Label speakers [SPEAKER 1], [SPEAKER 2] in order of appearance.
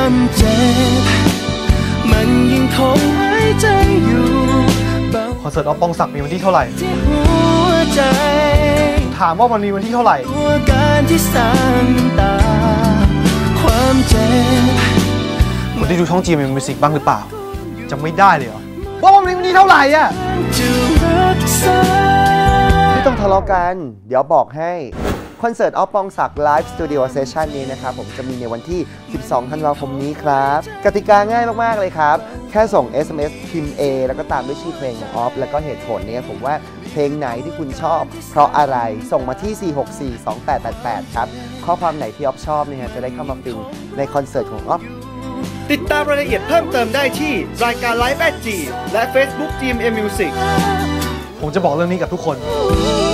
[SPEAKER 1] ความเจ็บมันยิ่งคงหายใจอยู่
[SPEAKER 2] คอนเสิร์ตอ๊อฟปองศักดิ์มีวันที่เท่าไหร่
[SPEAKER 1] ที่หัวใจ
[SPEAKER 2] ถามว่ามันมีวันที่เท่าไหร่
[SPEAKER 1] ตัวการที่สร้างน้ำตาความเจ็บ
[SPEAKER 2] คุณได้ดูช่อง GMM Music บ้างหรือเปล่าจำไม่ได้เลยเหรอว่ามันมีวันที่เท่าไหร่อะ
[SPEAKER 3] ไม่ต้องทะเลาะกันเดี๋ยวบอกให้คอนเสิร์ตอ๊อฟปองศักดิ์ไลฟ์สตูดิโอเซสชันนี้นะครับผมจะมีในวันที่ 12 ธันวาคมนี้ครับกติกาง่ายมากๆเลยครับแค่ส่ง SMS พิมพ์ A แล้วก็ตามด้วยชื่อเพลงของอ๊อฟแล้วก็เหตุผลเนี่ยผมว่าเพลงไหนที่คุณชอบเพราะอะไรส่งมาที่ 4642888 ครับข้อความไหนที่อ๊อฟชอบเนี่ยจะได้เข้ามาฟินในคอนเสิร์ตของอ๊อฟ
[SPEAKER 4] ติดตามรายละเอียดเพิ่มเติมได้ที่รายการ Live at G และ Facebook GMM Music
[SPEAKER 2] ผมจะบอกเรื่องนี้กับทุกคน